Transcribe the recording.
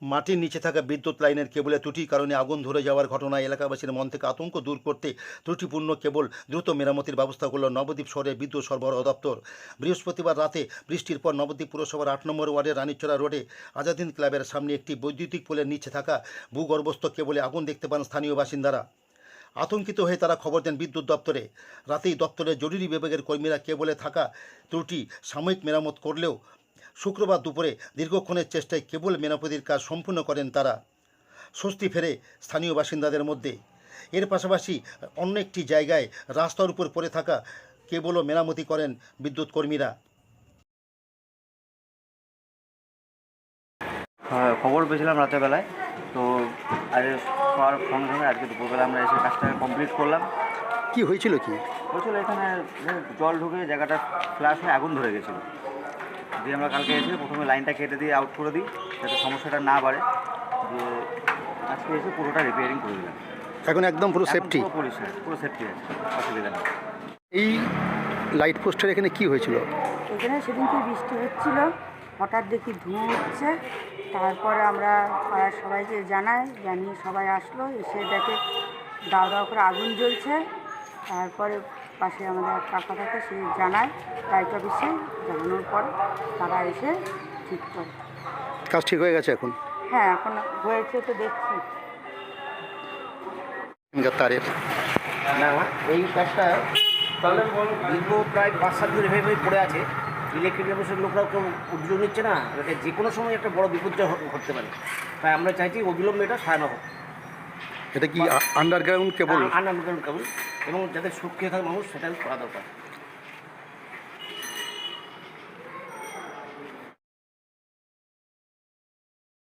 মাটির নিচে থাকা বিদ্যুৎ লাইনের কেবলে ত্রুটির কারণে আগুন ধরে যাওয়ার ঘটনায় এলাকাবাসীর মন থেকে আতঙ্ক দূর করতে ত্রুটিপূর্ণ কেবল দ্রুত মেরামতির ব্যবস্থা করল নবদ্বীপ শহরের বিদ্যুৎ সরবরাহ দপ্তর। বৃহস্পতিবার রাতে বৃষ্টির পর নবদ্বীপ পুরসভার ৮ নম্বর ওয়ার্ডের রানীচড়া রোডে আজাদিন ক্লাবের সামনে একটি বৈদ্যুতিক পোলের নিচে থাকা ভূগর্ভস্থ কেবলে আগুন দেখতে পান স্থানীয় বাসিন্দারা। আতঙ্কিত হয়ে তারা খবর দেন বিদ্যুৎ দপ্তরে। রাতেই দপ্তরের জরুরি বিভাগের কর্মীরা কেবলে থাকা ত্রুটি সাময়িক মেরামত করলেও শুক্রবার দুপুরে দীর্ঘক্ষণের চেষ্টায় কেবল মেরামতির কাজ সম্পূর্ণ করেন তারা। স্বস্তি ফেরে স্থানীয় বাসিন্দাদের মধ্যে। এর পাশাপাশি অন্য একটি জায়গায় রাস্তার উপর পড়ে থাকা কেবলও মেরামতি করেন বিদ্যুৎ কর্মীরা। খবর পেয়েছিলাম রাতের বেলায়, তো আজ সবার ফোন করে আজকে দুপুরবেলা আমরা এসে কাজটা কমপ্লিট করলাম। কি হয়েছিল? হয়েছিল এখানে জল ঢুকে জায়গাটা ফ্ল্যাশ হয়ে আগুন ধরে গেছিলো। দিয়ে আমরা কালকে এসে প্রথমে লাইনটা কেটে দিয়ে আউট করে দিই যাতে সমস্যাটা না বাড়ে। দিয়ে আজকে এসে পুরোটা রিপেয়ারিং করে দিলাম। এখন একদম পুরো সেফটি? পুরো সেফটি আছে, অসুবিধা নেই। এই লাইট পোস্টের এখানে কি হয়েছিল? এখানে সেদিনকে বৃষ্টি হচ্ছিল, হঠাৎ দেখি ধোঁয়া উঠছে। তারপরে আমরা পাড়ার সবাইকে জানিয়ে সবাই আসলো, এসে দেখে দাও দাও করে আগুন জ্বলছে। তারপরে পাশে আমাদের এক কাকা থাকে, সে জানায় লাইট অফিসে, জানানোর পর তারা এসে ঠিক করে। কাজ ঠিক হয়ে গেছে এখন? হ্যাঁ, এখন হয়েছে তো দেখছি। তারের না, এই কাজটা দীর্ঘ প্রায় 5-7 দিন এভাবে পড়ে আছে। ইলেকট্রিক অফিসের লোকরাও কেউ উদ্যোগ নিচ্ছে না, এটাকে যে কোনো সময় একটা বড় বিপর্যয় ঘটতে পারে। তাই আমরা চাইছি অবিলম্বে এটা সারানো হোক। এটা কি আন্ডারগ্রাউন্ড কেবল? আন্ডারগ্রাউন্ড কেবল, এবং যাতে সুরক্ষিত থাকে মানুষ, সেটাই করা দরকার।